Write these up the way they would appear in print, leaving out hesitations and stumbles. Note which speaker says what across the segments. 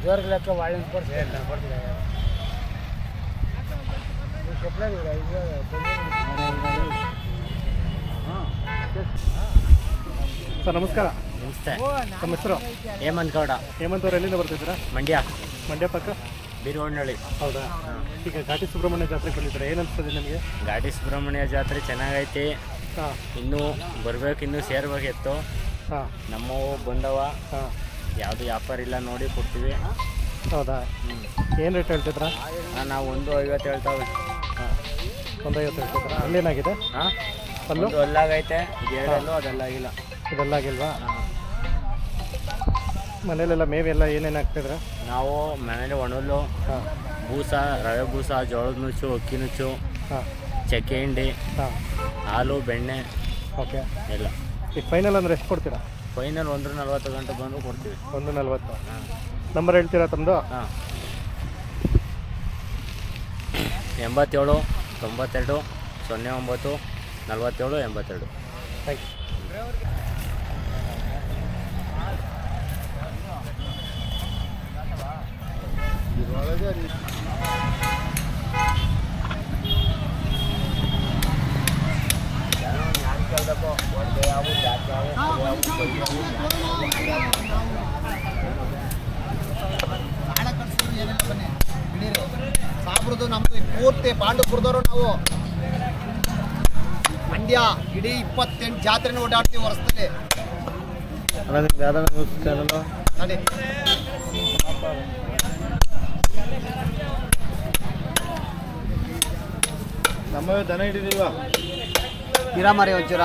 Speaker 1: ಇದುವರೆಗೆ ಲೆಕ್ಕ ವಾಳಿನ ಕೊಡ್ತೀವಿ
Speaker 2: ಸರ್ ನಮಸ್ಕಾರ.
Speaker 3: ನಮಸ್ತೆ.
Speaker 2: ನಮ್ಮ ಹೆಸರು
Speaker 3: ಹೇಮಂತ್ ಗೌಡ.
Speaker 2: ಹೇಮಂತ್ ಅವ್ರು ಎಲ್ಲಿಂದ ಬರ್ತಿದ್ದೀರಾ? ಮಂಡ್ಯ ಪಕ್ಕ
Speaker 3: ಬೀರವಣ್ಣಳ್ಳಿ.
Speaker 2: ಹೌದಾ? ಈಗ ಘಾಟಿ ಸುಬ್ರಹ್ಮಣ್ಯ ಜಾತ್ರೆಗೆ ಬಂದಿದ್ದಾರೆ, ಏನು ಅನಿಸ್ತದೆ ನಿಮಗೆ?
Speaker 3: ಘಾಟಿ ಸುಬ್ರಹ್ಮಣ್ಯ ಜಾತ್ರೆ ಚೆನ್ನಾಗೈತಿ.
Speaker 2: ಹಾಂ,
Speaker 3: ಇನ್ನೂ ಬರ್ಬೇಕು, ಇನ್ನೂ ಸೇರ್ಬೇಕಿತ್ತು.
Speaker 2: ಹಾಂ,
Speaker 3: ನಮ್ಮವು ಬಂದವ.
Speaker 2: ಹಾಂ,
Speaker 3: ಯಾವುದು ವ್ಯಾಪಾರ ಇಲ್ಲ, ನೋಡಿ ಕೊಡ್ತೀವಿ.
Speaker 2: ಹೌದಾ? ಏನು ರೇಟ್ ಹೇಳ್ತಿದ್ರಾ?
Speaker 3: ನಾವು 150 ಹೇಳ್ತಾವೆ.
Speaker 2: ಹಾಂ, 150 ಹೇಳ್ತಿದ್ರಾ? ಅಲ್ಲೇನಾಗಿದೆ?
Speaker 3: ಹಾಂ,
Speaker 2: ಅಲ್ಲೂ
Speaker 3: ಒಂದು ಅಲ್ಲಾಗೈತೆ. ಇದು ಎರಡಲ್ಲೂ ಅದೆಲ್ಲಾಗಿಲ್ಲ.
Speaker 2: ಇದೆಲ್ಲಾಗಿಲ್ವಾ? ಮನೇಲೆಲ್ಲ ಮೇವೆಲ್ಲ ಏನೇನು ಹಾಕ್ತಿದ್ರ?
Speaker 3: ನಾವು ಮನೇಲಿ ಒಣಲು,
Speaker 2: ಹಾಂ,
Speaker 3: ಬೂಸ, ರವೆ ಬೂಸ, ಜೋಳದ ನುಚ್ಚು, ಅಕ್ಕಿ ನುಚ್ಚು,
Speaker 2: ಹಾಂ,
Speaker 3: ಚಕ್ಕೆ ಹಿಂಡಿ,
Speaker 2: ಹಾಂ,
Speaker 3: ಹಾಲು, ಬೆಣ್ಣೆ
Speaker 2: ಓಕೆ.
Speaker 3: ಎಲ್ಲ.
Speaker 2: ಈಗ ಫೈನಲ್ ಅಂದರೆ ಎಷ್ಟು ಕೊಡ್ತೀರಾ?
Speaker 3: ಫೈನಲ್ 140 ಗಂಟೆ ಬಂದು ಕೊಡ್ತೀವಿ.
Speaker 2: 140.
Speaker 3: ಹಾಂ.
Speaker 2: ನಂಬರ್ ಹೇಳ್ತೀರಾ ತಮ್ಮದು?
Speaker 3: ಹಾಂ, 87 92 09 47 82.
Speaker 2: Thank you.
Speaker 4: ಸಾಬ್ರದು ನಮ್ದು ಪೂರ್ತಿ ಪಾಂಡುಪುರದವರು ನಾವು. ಮಂಡ್ಯ ಇಡೀ 28 ಜಾತ್ರೆನ ಓಡಾಡ್ತೀವಿ ವರ್ಷದಲ್ಲಿ. ನೋಡಿ
Speaker 2: ನಮ್ಮ ದನ ಹಿಡಿದಿಲ್ವಾ?
Speaker 4: ಗಿರಾಮರಿ ಒಂಚೂರ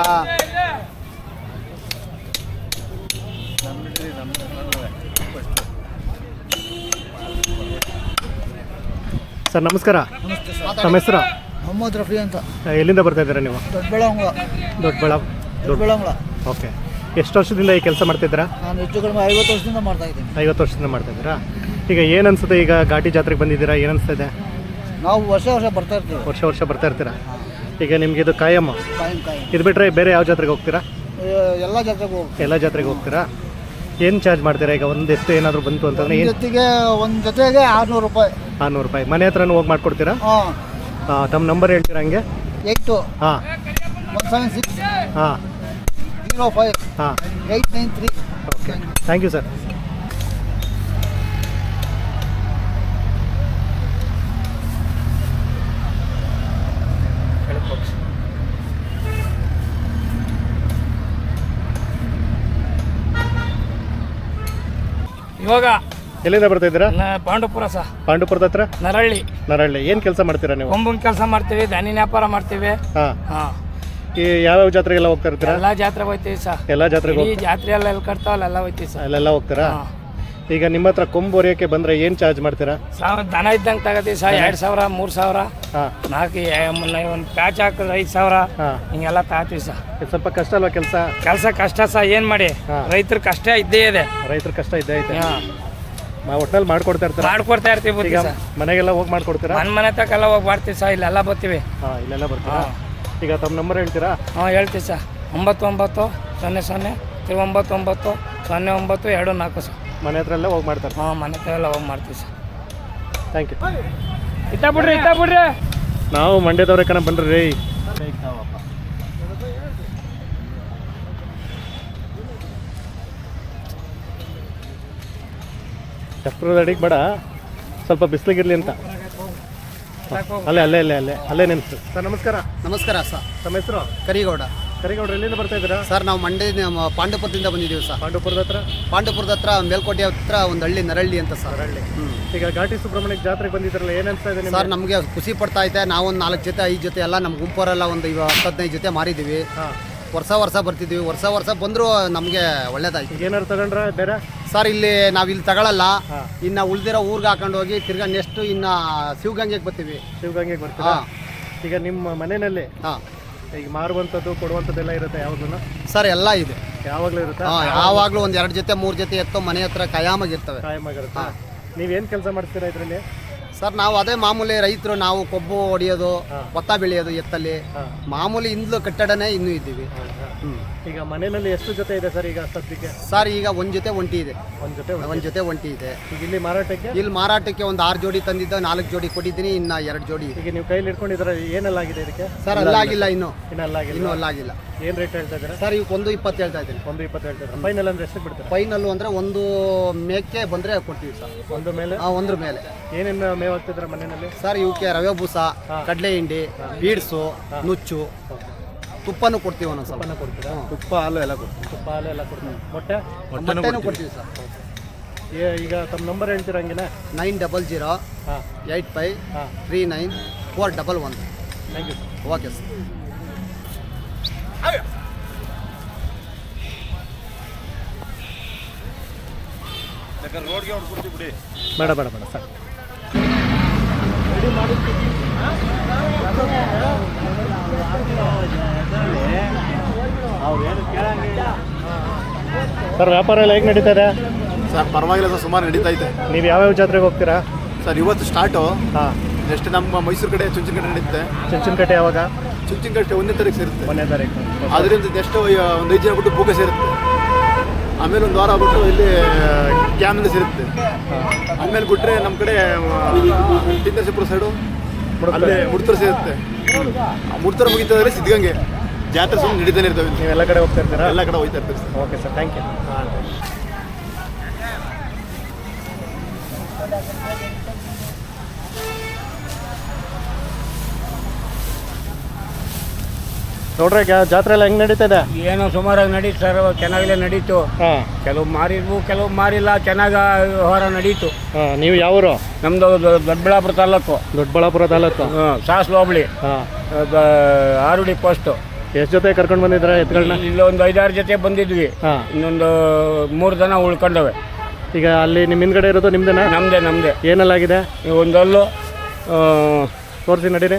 Speaker 2: ಸರ್ ನಮಸ್ಕಾರ. ನಮ್ಮ ಹೆಸರು?
Speaker 4: ಮೊಹಮ್ಮದ್ ರಫಿ ಅಂತ.
Speaker 2: ಎಲ್ಲಿಂದ ಬರ್ತಾ ಇದ್ದೀರಾ ನೀವು?
Speaker 4: ದೊಡ್ಡಬಳ್ಳಾಂಗ್ಲ.
Speaker 2: ಓಕೆ. ಎಷ್ಟು ವರ್ಷದಿಂದ ಈ ಕೆಲಸ ಮಾಡ್ತಿದ್ದೀರಾ?
Speaker 4: ನಾನು ಹೆಚ್ಚು ಕಡಿಮೆ 50 ವರ್ಷದಿಂದ ಮಾಡ್ತಾ ಇದ್ದೀನಿ.
Speaker 2: 50 ವರ್ಷದಿಂದ ಮಾಡ್ತಾ ಇದ್ದೀರಾ? ಈಗ ಏನು ಅನ್ಸುತ್ತೆ, ಈಗ ಘಾಟಿ ಜಾತ್ರೆಗೆ ಬಂದಿದ್ದೀರಾ, ಏನು ಅನಿಸ್ತಿದೆ?
Speaker 4: ನಾವು ವರ್ಷ ಬರ್ತಾ ಇರ್ತೀವಿ.
Speaker 2: ವರ್ಷ ಬರ್ತಾ ಇರ್ತೀರಾ? ಈಗ ನಿಮ್ಗೆ ಇದು ಕಾಯಮ್ಮ, ಇದು ಬಿಟ್ಟರೆ ಬೇರೆ ಯಾವ ಜಾತ್ರೆಗೆ ಹೋಗ್ತೀರಾ?
Speaker 4: ಎಲ್ಲ ಜಾತ್ರೆಗೂ
Speaker 2: ಎಲ್ಲ ಜಾತ್ರೆಗೆ ಹೋಗ್ತೀರಾ? ಏನು ಚಾರ್ಜ್ ಮಾಡ್ತೀರಾ? ಈಗ ಒಂದು ಎಷ್ಟು ಏನಾದರೂ ಬಂತು ಅಂತಂದರೆ ಏನು?
Speaker 4: ಒಂದು ಜೊತೆಗೆ 600 ರೂಪಾಯಿ.
Speaker 2: 600 ರೂಪಾಯಿ. ಮನೆ ಹತ್ರನೂ ಹೋಗಿ ಮಾಡಿಕೊಡ್ತೀರಾ?
Speaker 4: ಹಾಂ.
Speaker 2: ತಮ್ಮ ನಂಬರ್ ಹೇಳ್ತೀರಾ ಹಂಗೆ?
Speaker 4: 8
Speaker 2: ಹಾಂ
Speaker 4: 176
Speaker 2: ಹಾಂ
Speaker 4: 05
Speaker 2: ಹಾಂ
Speaker 4: 893.
Speaker 2: Okay, thank you sir.
Speaker 1: ಇವಾಗ
Speaker 2: ಎಲ್ಲಿಂದ ಬರ್ತಾ ಇದ್ದೀರಾ?
Speaker 1: ಪಾಂಡುಪುರ
Speaker 2: ಪಾಂಡುಪುರದ ಹತ್ರ
Speaker 1: ನರಳ್ಳಿ.
Speaker 2: ಏನು ಕೆಲಸ ಮಾಡ್ತೀರಾ ನೀವು?
Speaker 1: ಕೊಂಬನ್ ಕೆಲಸ ಮಾಡ್ತೀವಿ, ಧಾನ್ಯ ವ್ಯಾಪಾರ ಮಾಡ್ತೀವಿ.
Speaker 2: ಹಾಂ.
Speaker 1: ಹಾಂ,
Speaker 2: ಈ ಯಾವ್ಯಾವ ಜಾತ್ರೆಗೆಲ್ಲ ಹೋಗ್ತಾ ಇರ್ತೀರಾ?
Speaker 1: ಎಲ್ಲ ಜಾತ್ರೆ ಹೋಗ್ತೀವಿ ಸರ್.
Speaker 2: ಎಲ್ಲ ಜಾತ್ರೆಗೆ
Speaker 1: ಈ ಜಾತ್ರೆ ಎಲ್ಲ ಎಲ್ಲಿ ಕಟ್ತಾವಲ್ಲ ಎಲ್ಲ ಹೋಗ್ತೀವಿ ಸರ್.
Speaker 2: ಅಲ್ಲೆಲ್ಲ ಹೋಗ್ತೀರಾ?
Speaker 1: ಹಾಂ.
Speaker 2: ಈಗ ನಿಮ್ಮ ಹತ್ರ ಕೊಂಬು ಹೊರಿಯೋಕ್ಕೆ ಬಂದರೆ ಏನು ಚಾರ್ಜ್ ಮಾಡ್ತೀರಾ?
Speaker 1: ದನ ಇದ್ದಂಗೆ ತಗೋತೀವಿ ಸರ್. 2000 3000.
Speaker 2: ಹಾಂ.
Speaker 1: 4 ಒಂದು ಪ್ಯಾಚ್ ಹಾಕಿದ್ರೆ 5000.
Speaker 2: ಹಾಂ.
Speaker 1: ಹಿಂಗೆಲ್ಲ ತಗೋತೀವಿ ಸರ್.
Speaker 2: ಇದು ಸ್ವಲ್ಪ ಕಷ್ಟ ಅಲ್ವಾ ಕೆಲಸ?
Speaker 1: ಕಷ್ಟ ಸರ್, ಏನು ಮಾಡಿ.
Speaker 2: ಹಾಂ.
Speaker 1: ರೈತರ ಕಷ್ಟ ಇದ್ದೇ ಇದೆ.
Speaker 2: ರೈತರ ಕಷ್ಟ ಇದ್ದೇ ಐತೆ.
Speaker 1: ಹಾಂ,
Speaker 2: ಒಟ್ಟಲ್ಲಿ ಮಾಡ್ಕೊಡ್ತಾ ಇರ್ತಾರೆ.
Speaker 1: ಮಾಡ್ಕೊಡ್ತಾ ಇರ್ತೀವಿ
Speaker 2: ಈಗ
Speaker 1: ಸರ್.
Speaker 2: ಮನೆಗೆಲ್ಲ ಹೋಗಿ ಮಾಡ್ಕೊಡ್ತೀರಾ?
Speaker 1: ಮನೆ ತಕ್ಕೆಲ್ಲ ಹೋಗಿ ಮಾಡ್ತೀವಿ ಸರ್. ಇಲ್ಲೆಲ್ಲ ಬರ್ತೀವಿ.
Speaker 2: ಹಾಂ, ಇಲ್ಲೆಲ್ಲ ಬರ್ತೀರಾ?
Speaker 1: ಹಾಂ.
Speaker 2: ಈಗ ತಮ್ಮ ನಂಬರ್ ಹೇಳ್ತೀರಾ?
Speaker 1: ಹಾಂ, ಹೇಳ್ತೀವಿ ಸರ್. 99 00 99 09 24 ಸರ್.
Speaker 2: ಮನೆ ಹತ್ರ ಎಲ್ಲ ಹೋಗಿ ಮಾಡ್ತಾರೆ?
Speaker 1: ಹಾಂ, ಮನೆ ಹತ್ರ ಎಲ್ಲ ಹೋಗಿ ಮಾಡ್ತೀವಿ ಸರ್.
Speaker 2: Thank you.
Speaker 1: ಇತ್ತ ಬಿಡ್ರಿ.
Speaker 2: ನಾವು ಮಂಡ್ಯದವ್ರೆ ಕಣ, ಬನ್ರಿ ರೀ. ಚಪ್ರದ ಅಡಿಗೆ ಬೇಡ, ಸ್ವಲ್ಪ ಬಿಸಿಲಿಗಿರ್ಲಿ ಅಂತ. ಅಲ್ಲೇ ನಿಲ್ಸು ಸರ್. ನಮಸ್ಕಾರ.
Speaker 4: ನಮಸ್ಕಾರ ಸರ್.
Speaker 2: ತಮ್ಮ ಹೆಸರು?
Speaker 4: ಕರಿಗೌಡ್ರು.
Speaker 2: ಎಲ್ಲಿಂದ ಬರ್ತಾ ಇದ್ದೀರಾ?
Speaker 4: ಸರ್ ನಾವು ಪಾಂಡುಪುರದಿಂದ ಬಂದಿದ್ದೀವಿ ಸರ್.
Speaker 2: ಪಾಂಡುಪುರದ ಹತ್ರ
Speaker 4: ಮೇಲ್ಕೋಟೆ ಹತ್ರ ಒಂದು ಹಳ್ಳಿ ನರಳ್ಳಿ ಅಂತ ಸರ್.
Speaker 2: ಈಗ ಘಾಟಿ ಸುಬ್ರಹ್ಮಣ್ಯ ಜಾತ್ರೆಗೆ ಬಂದಿದ್ರಲ್ಲ, ಏನು ಅನಿಸ್ತಾ ಇದೆ
Speaker 4: ಸರ್? ನಮಗೆ ಖುಷಿ ಪಡ್ತಾ ಐತೆ. ನಾವು ಒಂದು 4 ಜೊತೆ 5 ಜೊತೆ ಎಲ್ಲ ನಮ್ಮ ಗುಂಪವರೆಲ್ಲ ಒಂದು 10-15 ಜೊತೆ ಮಾರಿದ್ದೀವಿ. ವರ್ಷ ಬರ್ತಿದ್ದೀವಿ. ವರ್ಷ ಬಂದರೂ ನಮಗೆ ಒಳ್ಳೇದಾಯ್ತು.
Speaker 2: ಏನಾದ್ರು ತಗೊಂಡ್ರ ಬೇರೆ
Speaker 4: ಸರ್? ಇಲ್ಲಿ ತಗೊಳ್ಳಲ್ಲ. ಇನ್ನು ಉಳಿದಿರೋ ಊರಿಗೆ ಹಾಕೊಂಡು ಹೋಗಿ ತಿರ್ಗಾ ನೆಕ್ಸ್ಟ್ ಇನ್ನು ಶಿವಗಂಗೆಗೆ ಬರ್ತೀವಿ.
Speaker 2: ಶಿವಗಂಗೆಗೆ ಬರ್ತೀರಾ? ಈಗ ನಿಮ್ಮ ಮನೆಯಲ್ಲಿ
Speaker 4: ಹಾಂ,
Speaker 2: ಈಗ ಮಾರುವಂಥದ್ದು ಕೊಡುವಂಥದ್ದೆಲ್ಲ ಇರುತ್ತೆ ಯಾವಾಗಲೂ?
Speaker 4: ಸರ್ ಎಲ್ಲ ಇದೆ,
Speaker 2: ಯಾವಾಗಲೂ ಇರುತ್ತೆ.
Speaker 4: ಯಾವಾಗಲೂ ಒಂದು 2 ಜೊತೆ 3 ಜೊತೆ ಎತ್ತೋ ಮನೆ ಹತ್ರ ಕಾಯಮಾಗಿರ್ತವೆ.
Speaker 2: ಕಾಯಮಾಗಿರುತ್ತೆ. ನೀವೇನು ಕೆಲಸ ಮಾಡ್ತೀರಾ ಇದರಲ್ಲಿ?
Speaker 4: ಸರ್ ನಾವು ಅದೇ ಮಾಮೂಲಿ ರೈತರು. ನಾವು ಕೊಬ್ಬು ಹೊಡೆಯೋದು, ಭತ್ತ ಬೆಳೆಯೋದು ಎತ್ತಲ್ಲಿ ಮಾಮೂಲಿ. ಇಂದ್ಲು ಕಟ್ಟಡನೇ ಇನ್ನೂ ಇದ್ದೀವಿ.
Speaker 2: ಈಗ ಮನೆಯಲ್ಲಿ ಎಷ್ಟು ಜೊತೆ ಇದೆ ಸರ್ ಈಗ ಸದ್ಯಕ್ಕೆ?
Speaker 4: ಸರ್ ಈಗ ಒಂದು ಜೊತೆ ಒಂಟಿ ಇದೆ.
Speaker 2: ಒಂದು ಜೊತೆ
Speaker 4: ಒಂಟಿ ಇದೆ.
Speaker 2: ಈಗ ಇಲ್ಲಿ ಮಾರಾಟಕ್ಕೆ?
Speaker 4: ಇಲ್ಲಿ ಮಾರಾಟಕ್ಕೆ ಒಂದು 6 ಜೋಡಿ ತಂದಿದ್ದ, 4 ಜೋಡಿ ಕೊಟ್ಟಿದ್ದೀನಿ, ಇನ್ನು 2 ಜೋಡಿ.
Speaker 2: ಈಗ ನೀವು ಕೈಲಿ ಇಟ್ಕೊಂಡಿದ್ರೆ ಏನೆಲ್ಲ ಆಗಿದೆ ಇದಕ್ಕೆ?
Speaker 4: ಸರ್ ಅಲ್ಲಾಗಿಲ್ಲ, ಇನ್ನೂ
Speaker 2: ಅಲ್ಲಾಗಿಲ್ಲ. ಏನು ರೇಟ್ ಹೇಳ್ತಾ ಇದ್ದೀರಾ
Speaker 4: ಸರ್? ಈಗ 1.20 ಹೇಳ್ತಾ ಇದ್ದೀನಿ.
Speaker 2: 1.20 ಹೇಳ್ತಾರೆ. ಫೈನಲ್ ಅಂದ್ರೆ ಎಷ್ಟು ಬಿಡ್ತಾರೆ?
Speaker 4: ಫೈನಲ್ಲು ಅಂದರೆ ಒಂದು ಮೇಕೆ ಬಂದರೆ ಕೊಡ್ತೀವಿ ಸರ್.
Speaker 2: ಒಂದು ಮೇಲೆ?
Speaker 4: ಒಂದ್ರ ಮೇಲೆ.
Speaker 2: ಏನೇನು ಮೇವು ಹಾಕ್ತಿದ್ರ ಮನೆಯಲ್ಲಿ?
Speaker 4: ಸರ್ ಇವಕ್ಕೆ ರವೆ ಬೂಸ, ಕಡಲೆ ಹಿಂಡಿ, ಬೀಡ್ಸು, ನುಚ್ಚು, ತುಪ್ಪನೂ ಕೊಡ್ತೀವಿ. ಒಂದೊಂದು ಸ್ವಲ್ಪ
Speaker 2: ಕೊಡ್ತೀರಾ?
Speaker 4: ತುಪ್ಪ ಹಾಲು ಎಲ್ಲ ಕೊಡ್ತೀವಿ.
Speaker 2: ಮೊಟ್ಟೆನೂ
Speaker 4: ಕೊಡ್ತೀವಿ ಸರ್.
Speaker 2: ಈಗ ತಮ್ಮ ನಂಬರ್ ಹೇಳ್ತೀರಾ ಹಂಗೆ?
Speaker 4: 9008539411.
Speaker 2: Thank you sir.
Speaker 4: Okay sir.
Speaker 2: ಬೇಡ ಸರ್. ಸರ್ ವ್ಯಾಪಾರ ಎಲ್ಲ ಹೇಗೆ ನಡೀತಾ ಇದೆ?
Speaker 5: ಸರ್ ಪರವಾಗಿಲ್ಲ ಸರ್, ಸುಮಾರು ನಡೀತಾ ಇದೆ.
Speaker 2: ನೀವು ಯಾವ್ಯಾವ ಜಾತ್ರೆಗೆ ಹೋಗ್ತೀರಾ?
Speaker 5: ಸರ್ ಇವತ್ತು ಸ್ಟಾರ್ಟು.
Speaker 2: ಹಾಂ.
Speaker 5: ನೆಕ್ಸ್ಟ್ ನಮ್ಮ ಮೈಸೂರು ಕಡೆ ಚುಂಚನಕಟ್ಟೆ ನಡೀತೆ.
Speaker 2: ಚುಂಚನಕಟ್ಟೆ ಯಾವಾಗ?
Speaker 5: ಚುಂಚನಕಟ್ಟೆ 1ನೇ ತಾರೀಕು ಸೇರುತ್ತೆ.
Speaker 2: 1ನೇ ತಾರೀಕು.
Speaker 5: ಅದರಿಂದ ನೆಕ್ಸ್ಟ್ ಒಂದು 5 ದಿನ ಬಿಟ್ಟು ಬೂಕ ಸೇರುತ್ತೆ. ಆಮೇಲೆ ಒಂದು ವಾರ ಬಿಟ್ಟು ಇಲ್ಲಿ ಕ್ಯಾಮಿಂದ ಸೇರುತ್ತೆ. ಆಮೇಲೆ ಬಿಟ್ಟರೆ ನಮ್ಮ ಕಡೆ ತಿಂದರ್ಸಿಪುರ ಸೈಡು ಅಲ್ಲೇ ಮುಡ್ತರ ಸೇರುತ್ತೆ. ಮುಡ್ತರ ಮುಗಿತಂದರೆ ಸಿದ್ಧಗಂಗೆ ಜಾತ್ರೆ ಸುಮ್ಮನೆ ನಡೀತಾನೆ ಇರ್ತವೆ.
Speaker 2: ನೀವು ಎಲ್ಲ ಕಡೆ ಹೋಗ್ತಾ ಇರ್ತೀರಾ?
Speaker 5: ಎಲ್ಲ ಕಡೆ ಹೋಗ್ತಾ ಇರ್ತೀವಿ sir.
Speaker 2: Okay sir, thank you. ನೋಡ್ರಿ ಜಾತ್ರೆ ಎಲ್ಲ ಹೆಂಗೆ ನಡೀತಾ ಇದೆ?
Speaker 1: ಏನೋ ಸುಮಾರಾಗಿ ನಡೀತು ಸರ್, ಚೆನ್ನಾಗಲೇ ನಡೀತು.
Speaker 2: ಹಾಂ.
Speaker 1: ಕೆಲವು ಮಾರಿದ್ವು, ಕೆಲವು ಮಾರಿಲ್ಲ. ಚೆನ್ನಾಗಿ ವ್ಯವಹಾರ ನಡೀತು.
Speaker 2: ಹಾಂ. ನೀವು ಯಾವರು?
Speaker 1: ನಮ್ಮದು ದೊಡ್ಡಬಳ್ಳಾಪುರ ತಾಲೂಕು.
Speaker 2: ದೊಡ್ಡಬಳ್ಳಾಪುರ ತಾಲೂಕು.
Speaker 1: ಸಾಸ್ಲು ಹೋಬಳಿ.
Speaker 2: ಹಾಂ.
Speaker 1: ಆರುಡಿ ಪೋಸ್ಟು.
Speaker 2: ಎಷ್ಟು ಜೊತೆ ಕರ್ಕೊಂಡು ಬಂದಿದ್ರ ಎತ್ತುಗಳನ್ನ?
Speaker 1: ಇಲ್ಲೊಂದು 5-6 ಜೊತೆ ಬಂದಿದ್ವಿ.
Speaker 2: ಹಾಂ.
Speaker 1: ಇನ್ನೊಂದು 3 ದನ ಉಳ್ಕೊಂಡವೆ.
Speaker 2: ಈಗ ಅಲ್ಲಿ ನಿಮ್ಮ ಹಿಂದ್ಗಡೆ ಇರೋದು ನಿಮ್ದೇನಾ?
Speaker 1: ನಮ್ಮದೇ.
Speaker 2: ಏನೆಲ್ಲಾಗಿದೆ?
Speaker 1: ಒಂದಲ್ಲು
Speaker 2: ತೋರಿಸಿ ನಡೀರಿ.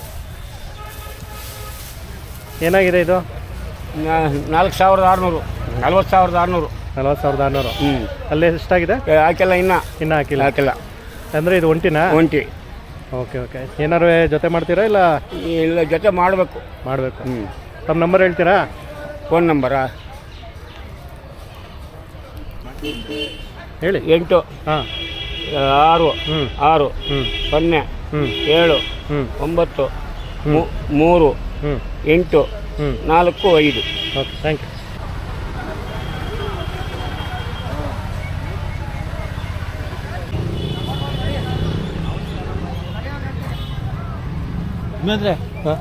Speaker 2: ಏನಾಗಿದೆ ಇದು?
Speaker 1: 4,600. 40,600.
Speaker 2: 40,600.
Speaker 1: ಹ್ಞೂ.
Speaker 2: ಅಲ್ಲೇ ಎಷ್ಟಾಗಿದೆ?
Speaker 1: ಹಾಕಿಲ್ಲ, ಇನ್ನೂ ಹಾಕಿಲ್ಲ.
Speaker 2: ಅಂದರೆ ಇದು ಒಂಟಿನಾ?
Speaker 1: ಒಂಟಿ.
Speaker 2: ಓಕೆ. ಏನಾರು ಜೊತೆ ಮಾಡ್ತೀರಾ ಇಲ್ಲ?
Speaker 1: ಜೊತೆ ಮಾಡಬೇಕು.
Speaker 2: ಹ್ಞೂ. ತಮ್ಮ ನಂಬರ್ ಹೇಳ್ತೀರಾ?
Speaker 1: ಫೋನ್ ನಂಬರಾ?
Speaker 2: ಹೇಳಿ.
Speaker 1: 8
Speaker 2: ಹಾಂ
Speaker 1: 6 6 0 7 9 3 8 4 5.
Speaker 2: Okay, thank you. ಹಾಂ.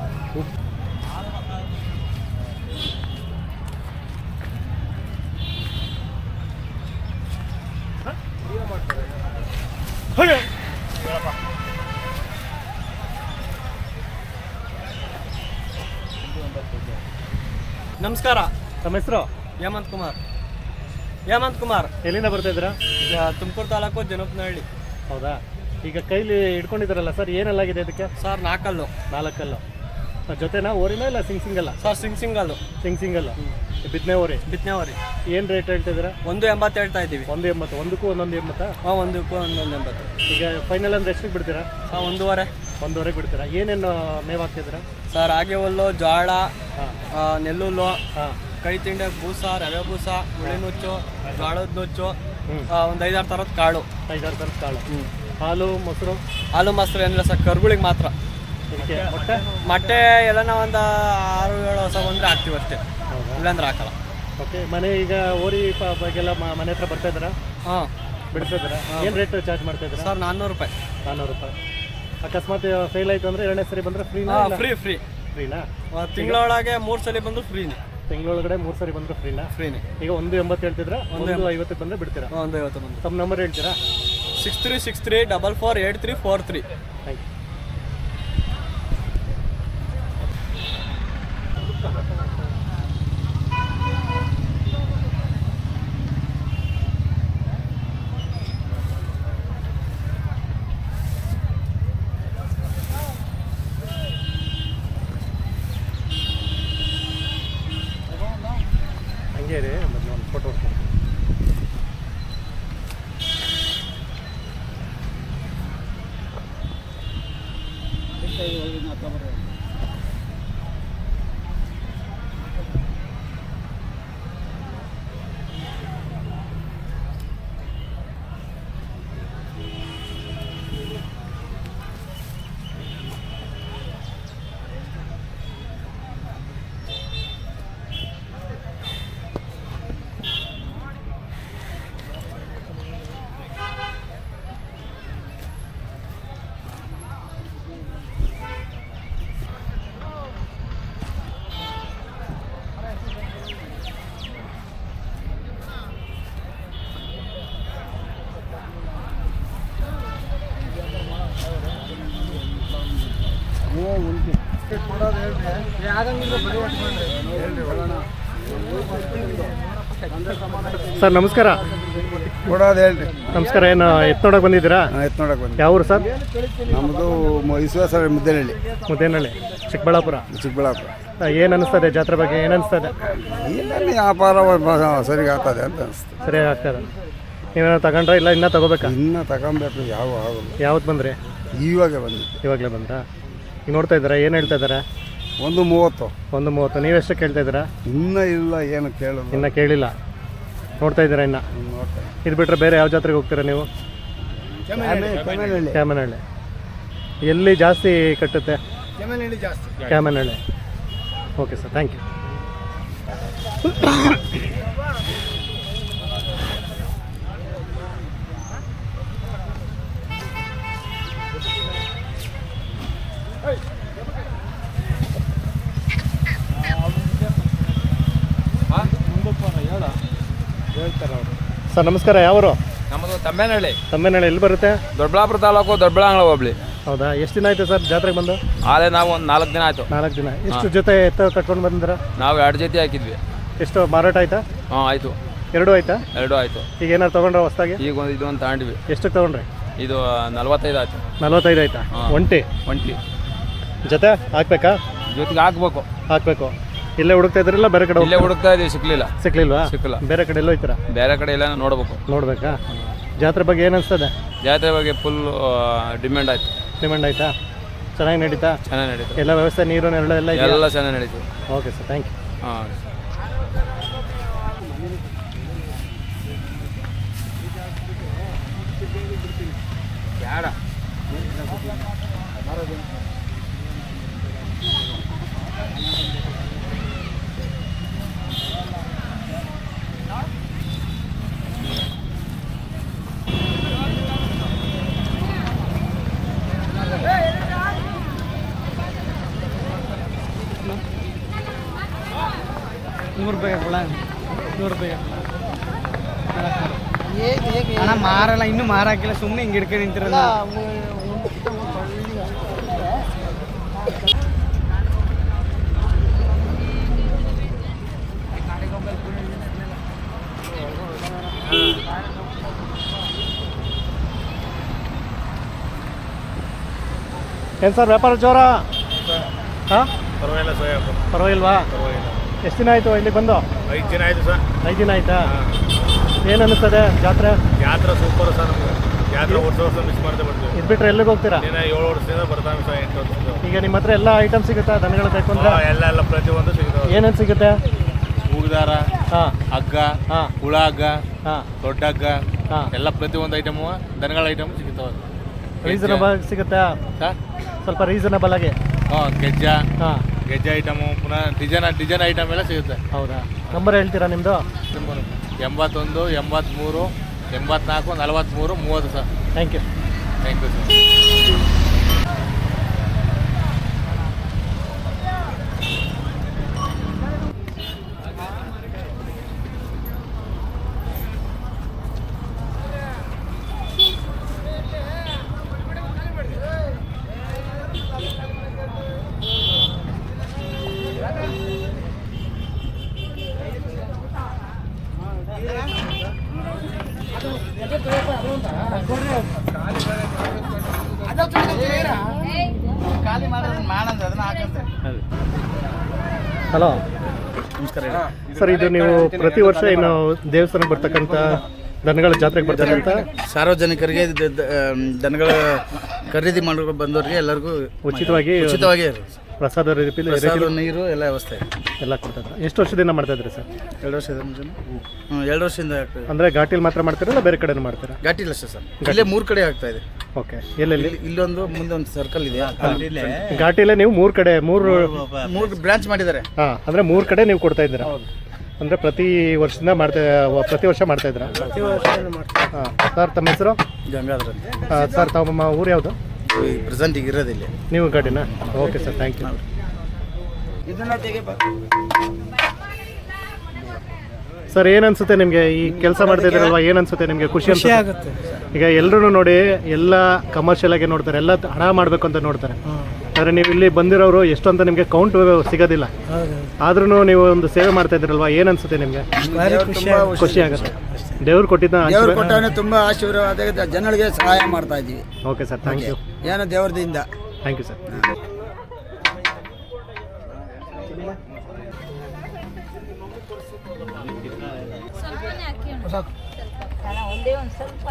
Speaker 6: ನಮಸ್ಕಾರ.
Speaker 2: ತಮ್ಮ ಹೆಸರು?
Speaker 6: ಹೇಮಂತ್ ಕುಮಾರ್.
Speaker 2: ಎಲ್ಲಿಂದ ಬರ್ತಾ ಇದ್ದೀರಾ?
Speaker 6: ತುಮಕೂರು ತಾಲೂಕು ಜನಪನಹಳ್ಳಿ.
Speaker 2: ಹೌದಾ? ಈಗ ಕೈಲಿ ಇಟ್ಕೊಂಡಿದ್ದಾರಲ್ಲ ಸರ್, ಏನೆಲ್ಲಾಗಿದೆ ಇದಕ್ಕೆ?
Speaker 6: ಸರ್ 4
Speaker 2: 4 ಜೊತೆನಾ? ಓರಿನಾ ಇಲ್ಲ ಸಿಂಗಲ್ಲ?
Speaker 6: Sir single.
Speaker 2: ಸಿಂಗಲ್ ಬಿತ್ತನೆ ಓರಿ. ಏನು ರೇಟ್ ಹೇಳ್ತಿದ್ದೀರಾ?
Speaker 6: 1.80 ಹೇಳ್ತಾ ಇದ್ದೀವಿ.
Speaker 2: 1.80. ಒಂದಕ್ಕೂ 1.80?
Speaker 6: ಹಾಂ, ಒಂದಕ್ಕೂ 1.80.
Speaker 2: ಈಗ ಫೈನಲ್ ಅಂದ್ರೆ ಎಷ್ಟಕ್ಕೆ ಬಿಡ್ತೀರಾ?
Speaker 6: ಸರ್ 1.5.
Speaker 2: 1.5 ಬಿಡ್ತೀರಾ? ಏನೇನು ಮೇವು ಹಾಕ್ತಿದ್ದೀರಾ?
Speaker 6: ಸರ್ ರಾಗಿ ಹುಲ್ಲು, ಜೋಳ,
Speaker 2: ಹಾಂ,
Speaker 6: ನೆಲ್ಲುಲ್ಲು,
Speaker 2: ಹಾಂ,
Speaker 6: ಕೈ ತಿಂಡೆ ಬೂಸ, ರವೆ ಬೂಸ, ಹುಳಿ ನುಚ್ಚು, ಜೋಳದ ನುಚ್ಚು, ಒಂದು 5-6 ಥರದ ಕಾಳು.
Speaker 2: 5-6 ಥರದ ಕಾಳು. ಹಾಲು ಮೊಸರು?
Speaker 6: ಹಾಲು ಮೊಸರು ಏನಿಲ್ಲ ಸರ್, ಕರುಗಳಿಗೆ ಮಾತ್ರ.
Speaker 2: ಇದಕ್ಕೆ
Speaker 6: ಮೊಟ್ಟೆ ಎಲ್ಲನ ಒಂದು 6-7 ಹೊಸ ಬಂದರೆ ಹಾಕ್ತೀವಿ ಅಷ್ಟೇ, ಇಲ್ಲಾಂದ್ರೆ ಹಾಕಲ್ಲ.
Speaker 2: ಓಕೆ. ಮನೆ ಈಗ ಓರಿ ಬಗ್ಗೆಲ್ಲ ಮನೆ ಹತ್ರ ಬರ್ತಾ ಇದ್ದಾರಾ?
Speaker 6: ಹಾಂ,
Speaker 2: ಬಿಡ್ತಾ ಇದ್ದಾರಾ? ಏನು ರೇಟ್ ಚಾರ್ಜ್ ಮಾಡ್ತಾ ಇದ್ದೀರಾ?
Speaker 6: ಸರ್ 400 ರೂಪಾಯಿ.
Speaker 2: 400 ರೂಪಾಯಿ. ಅಕಸ್ಮಾತ್ ಫೇಲ್ ಆಯಿತು ಅಂದರೆ 2ನೇ ಸರಿ ಬಂದರೆ ಫ್ರೀನಾ? ಫ್ರೀನಾ?
Speaker 6: ತಿಂಗಳೊಳಗೆ 3 ಸಲ ಬಂದು ಫ್ರೀನೇ.
Speaker 2: ತಿಂಗಳೊಳಗಡೆ 3 ಸರಿ ಬಂದರೂ ಫ್ರೀನಾ? ಈಗ 1.80 ಹೇಳ್ತಿದ್ರೆ 1.50 ಬಂದರೆ ಬಿಡ್ತೀರಾ?
Speaker 6: 1.50 ಬಂದು.
Speaker 2: ತಮ್ಮ ನಂಬರ್ ಹೇಳ್ತೀರಾ?
Speaker 6: 6363448343.
Speaker 2: Thank you. ಹಂಗೆ ರೀ, ಒಂದು ಫೋಟೋ ಹೊಡ್ತೀನಿ. ಸರ್ ನಮಸ್ಕಾರ.
Speaker 7: ಕೊಡೋದು ಹೇಳ್ರಿ.
Speaker 2: ನಮಸ್ಕಾರ. ಏನು ಎತ್ತು ನೋಡಕ್ಕೆ ಬಂದಿದ್ದೀರಾ?
Speaker 7: ಎತ್ತು ನೋಡಕ್ಕೆ ಬಂದು.
Speaker 2: ಯಾವ ಊರು ಸರ್?
Speaker 7: ನಮ್ಮದು ವಿಶ್ವಾಸ ಮುದ್ದೇನಹಳ್ಳಿ,
Speaker 2: ಮುದ್ದೇನಹಳ್ಳಿ, ಚಿಕ್ಕಬಳ್ಳಾಪುರ.
Speaker 7: ಚಿಕ್ಕಬಳ್ಳಾಪುರ.
Speaker 2: ಏನು ಅನಿಸ್ತದೆ ಜಾತ್ರೆ ಬಗ್ಗೆ? ಏನು ಅನಿಸ್ತದೆ?
Speaker 7: ಇಲ್ಲ ವ್ಯಾಪಾರ ಸರಿಗೆ ಆಗ್ತದೆ ಅಂತ ಅನಿಸ್ತು.
Speaker 2: ಸರಿಯಾಗಿ ಆಗ್ತದೆ. ನೀವೇನೋ ತಗೊಂಡ್ರೆ ಇಲ್ಲ ಇನ್ನೂ ತಗೋಬೇಕಾ?
Speaker 7: ಇನ್ನೂ ತಗೊಬೇಕು. ಯಾವ ಆಗಲ್ಲ.
Speaker 2: ಯಾವತ್ತು ಬಂದ್ರಿ?
Speaker 7: ಇವಾಗ ಬಂದಿತ್ತು.
Speaker 2: ಇವಾಗಲೇ ಬಂದ್ರಾ? ಈಗ ನೋಡ್ತಾ ಇದ್ದೀರಾ? ಏನು ಹೇಳ್ತಾ ಇದ್ದಾರೆ?
Speaker 7: 1:30.
Speaker 2: 1:30. ನೀವೆಷ್ಟು ಕೇಳ್ತಾ ಇದ್ದೀರಾ?
Speaker 7: ಇನ್ನೂ ಇಲ್ಲ, ಏನು ಕೇಳೋದು.
Speaker 2: ಇನ್ನೂ ಕೇಳಿಲ್ಲ. ನೋಡ್ತಾ ಇದ್ದೀರಾ ಇನ್ನು? ಇದು ಬಿಟ್ಟರೆ ಬೇರೆ ಯಾವ ಜಾತ್ರೆಗೆ ಹೋಗ್ತೀರಾ ನೀವು? ಕ್ಯಾಮನಹಳ್ಳಿ. ಎಲ್ಲಿ ಜಾಸ್ತಿ ಕಟ್ಟುತ್ತೆ? Kyamanahalli. Okay sir, thank you. Sir ನಮಸ್ಕಾರ. ಯಾವರು?
Speaker 8: ನಮ್ಮದು ತಮ್ಮೇನಹಳ್ಳಿ.
Speaker 2: ತಮ್ಮೇನಹಳ್ಳಿ ಎಲ್ಲಿ ಬರುತ್ತೆ?
Speaker 8: ದೊಡ್ಡಬಳ್ಳಾಪುರ ತಾಲೂಕು, ದೊಡ್ಡಬಳ್ಳಾಂಗ್ಳ ಹೋಬಳಿ.
Speaker 2: ಹೌದಾ? ಎಷ್ಟು ದಿನ ಆಯಿತು ಸರ್ ಜಾತ್ರೆಗೆ ಬಂದು?
Speaker 8: ಆಲೆ ನಾವು ಒಂದು 4 ದಿನ ಆಯಿತು.
Speaker 2: 4 ದಿನ. ಎಷ್ಟು ಜೊತೆ ಎತ್ತ ಕಟ್ಕೊಂಡು ಬಂದಿದ್ದೀರಾ?
Speaker 8: ನಾವು 2 ಜೊತೆ ಹಾಕಿದ್ವಿ.
Speaker 2: ಎಷ್ಟು ಮಾರಾಟ ಆಯ್ತಾ?
Speaker 8: ಹಾಂ ಆಯಿತು.
Speaker 2: 2 ಆಯ್ತಾ?
Speaker 8: 2 ಆಯಿತು.
Speaker 2: ಈಗ ಏನಾರು ತೊಗೊಂಡ್ರೆ ಹೊಸ್ದಾಗಿ?
Speaker 8: ಈಗ ಇದೊಂದು ತಗೊಂಡ್ವಿ.
Speaker 2: ಎಷ್ಟಕ್ಕೆ ತೊಗೊಂಡ್ರಿ?
Speaker 8: ಇದು 45 ಆಯಿತು.
Speaker 2: 45 ಆಯ್ತಾ? ಒಂಟಿ ಜೊತೆ ಹಾಕ್ಬೇಕಾ?
Speaker 8: ಜೊತೆಗೆ ಹಾಕಬೇಕು.
Speaker 2: ಇಲ್ಲೇ ಹುಡುಕ್ತಾ ಇದ್ರಲ್ಲ ಬೇರೆ ಕಡೆ?
Speaker 8: ಇಲ್ಲೇ ಹುಡುಕ್ತಾ ಇದ್ದೀವಿ, ಸಿಕ್ಲಿಲ್ಲ.
Speaker 2: ಬೇರೆ ಕಡೆ ಎಲ್ಲೋ ಹೋಯ್ತೀರಾ?
Speaker 8: ಬೇರೆ ಕಡೆ ಎಲ್ಲ ನೋಡ್ಬೇಕಾ?
Speaker 2: ಜಾತ್ರೆ ಬಗ್ಗೆ ಏನು ಅನಿಸ್ತದೆ?
Speaker 8: ಜಾತ್ರೆ ಬಗ್ಗೆ ಫುಲ್ ಡಿಮ್ಯಾಂಡ್ ಆಯ್ತು.
Speaker 2: ಡಿಮ್ಯಾಂಡ್ ಆಯ್ತಾ? ಚೆನ್ನಾಗಿ ನಡೀತಾ?
Speaker 8: ಚೆನ್ನಾಗಿ ನಡೀತು.
Speaker 2: ಎಲ್ಲ ವ್ಯವಸ್ಥೆ, ನೀರು ನೆರಳು ಎಲ್ಲ ಇದೆಯಾ?
Speaker 8: ಎಲ್ಲ ಚೆನ್ನಾಗಿ ನಡೀತು.
Speaker 2: Okay sir, thank you.
Speaker 8: ಹಾಂ.
Speaker 6: ₹100 ಅಣ್ಣ ಮಾರಲ್ಲ, ಇನ್ನೂ ಮಾರಾಕಿಲ್ಲ, ಸುಮ್ಮನೆ ಹಿಂಗೆ ಹಿಡ್ಕೊಂಡು ನಿಂತಿರಲ್ಲ.
Speaker 2: ಏನು ಸರ್ ವ್ಯಾಪಾರ ಜೋರ? ಹಾಂ,
Speaker 5: ಪರವಾಗಿಲ್ಲ.
Speaker 2: ಪರವಾಗಿಲ್ವಾ? ಎಷ್ಟು ದಿನ ಆಯಿತು ಇಲ್ಲಿ ಬಂದು?
Speaker 5: 5 ದಿನ ಆಯಿತು ಸರ್.
Speaker 2: 5 ದಿನ ಆಯಿತಾ? ಏನು ಅನ್ನಿಸ್ತದೆ ಜಾತ್ರೆ?
Speaker 5: ಜಾತ್ರೆ ಸೂಪರ್ ಸರ್. ನಮಗೆ ಜಾತ್ರೆ ವರ್ಷ ಮಿಸ್ ಮಾಡ್ತಾ ಬರ್ತೀವಿ.
Speaker 2: ಇದು ಬಿಟ್ಟರೆ ಎಲ್ಲಿಗೆ ಹೋಗ್ತೀರಾ?
Speaker 5: 7 ವರ್ಷದಿಂದ ಬರ್ತಾವೆ ಸರ್. 8 ವರ್ಷದಿಂದ.
Speaker 2: ಈಗ ನಿಮ್ಮ ಹತ್ರ ಎಲ್ಲ ಐಟಮ್ ಸಿಗುತ್ತಾ? ದನಗಳು ಬೇಕಂದ್ರೆ
Speaker 5: ಎಲ್ಲ ಪ್ರತಿಯೊಂದು ಸಿಗ್ತಾವೆ.
Speaker 2: ಏನೇನು ಸಿಗುತ್ತೆ?
Speaker 5: ಹೂಗುದಾರ,
Speaker 2: ಹಾಂ,
Speaker 5: ಹಗ್ಗ,
Speaker 2: ಹಾಂ,
Speaker 5: ಹುಳ ಹಗ್ಗ,
Speaker 2: ಹಾಂ,
Speaker 5: ದೊಡ್ಡ ಹಗ್ಗ,
Speaker 2: ಹಾಂ.
Speaker 5: ಎಲ್ಲ ಪ್ರತಿಯೊಂದು ಐಟಮು ದನಗಳ ಐಟಮ್ ಸಿಗ್ತಾವೆ.
Speaker 2: ರೀಸನಬಲ್ ಸಿಗುತ್ತಾ?
Speaker 5: ಸರ್
Speaker 2: ಸ್ವಲ್ಪ ರೀಸನಬಲ್ ಆಗಿ.
Speaker 5: ಗೆಜ್ಜ,
Speaker 2: ಹಾಂ,
Speaker 5: ಗೆಜ್ಜೆ ಐಟಮು, ಪುನಃ ಡಿಸೈನ್ ಐಟಮ್ ಎಲ್ಲ ಸಿಗುತ್ತೆ.
Speaker 2: ಹೌದಾ? ನಂಬರ್ ಹೇಳ್ತೀರಾ ನಿಮ್ಮದು?
Speaker 5: 81 83 84 43 30 sir.
Speaker 2: Thank you.
Speaker 5: Thank you sir.
Speaker 2: Hello, ನಮಸ್ಕಾರ ಸರ್. ಇದು ನೀವು ಪ್ರತಿ ವರ್ಷ ಇನ್ನು ದೇವಸ್ಥಾನಕ್ಕೆ ಬರ್ತಕ್ಕಂಥ ದನಗಳ ಜಾತ್ರೆಗೆ ಬರ್ತಕ್ಕಂಥ
Speaker 9: ಸಾರ್ವಜನಿಕರಿಗೆ ದನಗಳ ಖರೀದಿ ಮಾಡೋ ಬಂದವರಿಗೆ ಎಲ್ಲರಿಗೂ
Speaker 2: ಉಚಿತವಾಗಿ ಪ್ರಸಾದ
Speaker 9: ನೀರು ಎಲ್ಲ ವ್ಯವಸ್ಥೆ
Speaker 2: ಎಲ್ಲ ಕೊಡ್ತಾರೆ. ಎಷ್ಟು ವರ್ಷದಿಂದ ಮಾಡ್ತಾ ಇದ್ರಿ ಸರ್?
Speaker 9: 2 ವರ್ಷದ 2 ವರ್ಷದಿಂದ ಆಗ್ತದೆ.
Speaker 2: ಅಂದರೆ ಘಾಟಿಲಿ ಮಾತ್ರ ಮಾಡ್ತೀರಾ ಇಲ್ಲ ಬೇರೆ ಕಡೆನೂ ಮಾಡ್ತೀರಾ?
Speaker 9: ಘಾಟಿ ಇಲ್ಲ ಸರ್. ಇಲ್ಲೇ 3 ಕಡೆ ಆಗ್ತಾ ಇದೆ.
Speaker 2: ಓಕೆ. ಎಲ್ಲೆಲ್ಲಿ?
Speaker 9: ಇಲ್ಲೊಂದು, ಮುಂದೆ ಒಂದು ಸರ್ಕಲ್ ಇದೆ.
Speaker 2: ಘಾಟಿಲೇ ನೀವು 3 ಕಡೆ
Speaker 9: 3 ಬ್ರಾಂಚ್ ಮಾಡಿದ್ದಾರೆ.
Speaker 2: ಹಾಂ, ಅಂದರೆ 3 ಕಡೆ ನೀವು ಕೊಡ್ತಾ ಇದ್ದೀರಾ? ಅಂದರೆ ಪ್ರತಿ ವರ್ಷದಿಂದ ಪ್ರತಿ ವರ್ಷ ಮಾಡ್ತಾ ಇದ್ದೀರಾ? ಹಾಂ. ಸರ್ ತಮ್ಮ ಹೆಸರು?
Speaker 9: ಗಂಗಾಧರ್ ಅಂತ.
Speaker 2: ಸರ್ ತಮ್ಮ ಊರು ಯಾವುದು?
Speaker 9: ಪ್ರೆಸೆಂಟ್ ಈಗ ಇರೋದಿಲ್ಲ.
Speaker 2: ನೀವು ಗಾಡಿನಾ? Okay sir, thank you. Sir ಏನು ಅನ್ಸುತ್ತೆ ನಿಮಗೆ ಈ ಕೆಲಸ ಮಾಡ್ತಾ ಇದ್ದೀರಲ್ವಾ? ಏನು ಅನ್ಸುತ್ತೆ ನಿಮಗೆ? ಖುಷಿ ಆಗುತ್ತೆ? ಈಗ ಎಲ್ಲರೂ ನೋಡಿ ಎಲ್ಲ ಕಮರ್ಷಿಯಲ್ ಆಗಿ ನೋಡ್ತಾರೆ, ಎಲ್ಲ ಹಣ ಮಾಡಬೇಕು ಅಂತ ನೋಡ್ತಾರೆ. ಆದರೆ ನೀವು ಇಲ್ಲಿ ಬಂದಿರೋರು ಎಷ್ಟು ಅಂತ ನಿಮಗೆ ಕೌಂಟ್ ಸಿಗೋದಿಲ್ಲ, ಆದ್ರೂ ನೀವು ಒಂದು ಸೇವೆ ಮಾಡ್ತಾ ಇದ್ದೀರಲ್ವಾ, ಏನು ಅನ್ಸುತ್ತೆ ನಿಮಗೆ? ಖುಷಿ ಆಗುತ್ತೆ. ದೇವ್ರು ಕೊಟ್ಟಿದ್ದ
Speaker 7: ತುಂಬ ಆಶೀರ್ವಾದ ಜನಗಳಿಗೆ ಸಹಾಯ ಮಾಡ್ತಾ ಇದ್ದೀವಿ.
Speaker 2: Okay sir, thank you.
Speaker 7: ಏನೋ ದೇವ್ರದಿಂದ.
Speaker 2: Thank you sir.
Speaker 10: ಒಂದೇ ಒಂದು ಸ್ವಲ್ಪ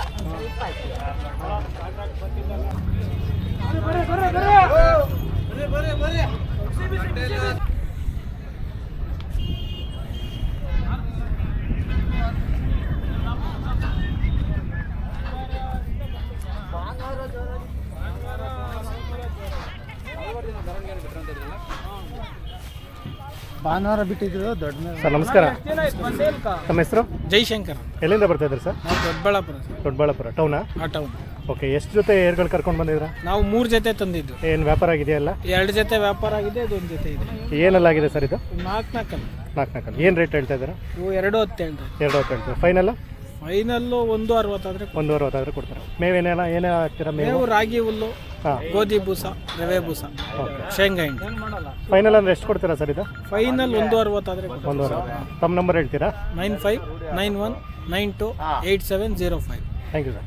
Speaker 7: ಭಾನುವಾರ ಬಿಟ್ಟಿದ್ರು ದೊಡ್ಡ.
Speaker 2: ಸರ್ ನಮಸ್ಕಾರ, ನಮ್ಮ ಹೆಸರು?
Speaker 6: ಜೈಶಂಕರ್.
Speaker 2: ಎಲ್ಲಿಂದ ಬರ್ತಾ ಇದ್ರಿ ಸರ್?
Speaker 6: ನಾವು ದೊಡ್ಡಬಳ್ಳಾಪುರ.
Speaker 2: ದೊಡ್ಡಬಳ್ಳಾಪುರ ಟೌನಾ?
Speaker 6: ಟೌನ್.
Speaker 2: ಓಕೆ, ಎಷ್ಟು ಜೊತೆ ಏರ್ಗಳು ಕರ್ಕೊಂಡು ಬಂದಿದ್ದೀರಾ?
Speaker 6: ನಾವು 3 ಜೊತೆ ತಂದಿದ್ದು.
Speaker 2: ಏನು ವ್ಯಾಪಾರ ಆಗಿದೆಯಲ್ಲ?
Speaker 6: 2 ಜೊತೆ ವ್ಯಾಪಾರ ಆಗಿದೆ, ಇದೊಂದು ಜೊತೆ ಇದೆ.
Speaker 2: ಏನೆಲ್ಲ ಆಗಿದೆ ಸರ್ ಇದು?
Speaker 6: 4
Speaker 2: ನಾಲ್ಕು. ಏನು ರೇಟ್ ಹೇಳ್ತಾ ಇದ್ದೀರಾ?
Speaker 6: ಇವು 210 ಹೇಳ್ತಾರೆ.
Speaker 2: 2 ಹೇಳ್ತೀರಾ? ಫೈನಲ್?
Speaker 6: ಫೈನಲ್ಲು 160 ಆದರೆ
Speaker 2: 160 ಆದರೆ ಕೊಡ್ತಾರೆ. ಮೇವೇನೆಲ್ಲ ಏನೇ ಹಾಕ್ತೀರಾ?
Speaker 6: ಮೇವು ರಾಗಿ ಹುಲ್ಲು, ಗೋಧಿ ಬೂಸ, ರವೆ ಬೂಸ, ಶೇಂಗಾ ಹಿಂಡಿ.
Speaker 2: ಫೈನಲ್ ಅಂದರೆ ಎಷ್ಟು ಕೊಡ್ತೀರಾ ಸರ್ ಇದು?
Speaker 6: ಫೈನಲ್ 160 ಆದರೆ
Speaker 2: 160. ತಮ್ಮ ನಂಬರ್ ಹೇಳ್ತೀರಾ?
Speaker 6: 9591928705.
Speaker 2: Thank you sir.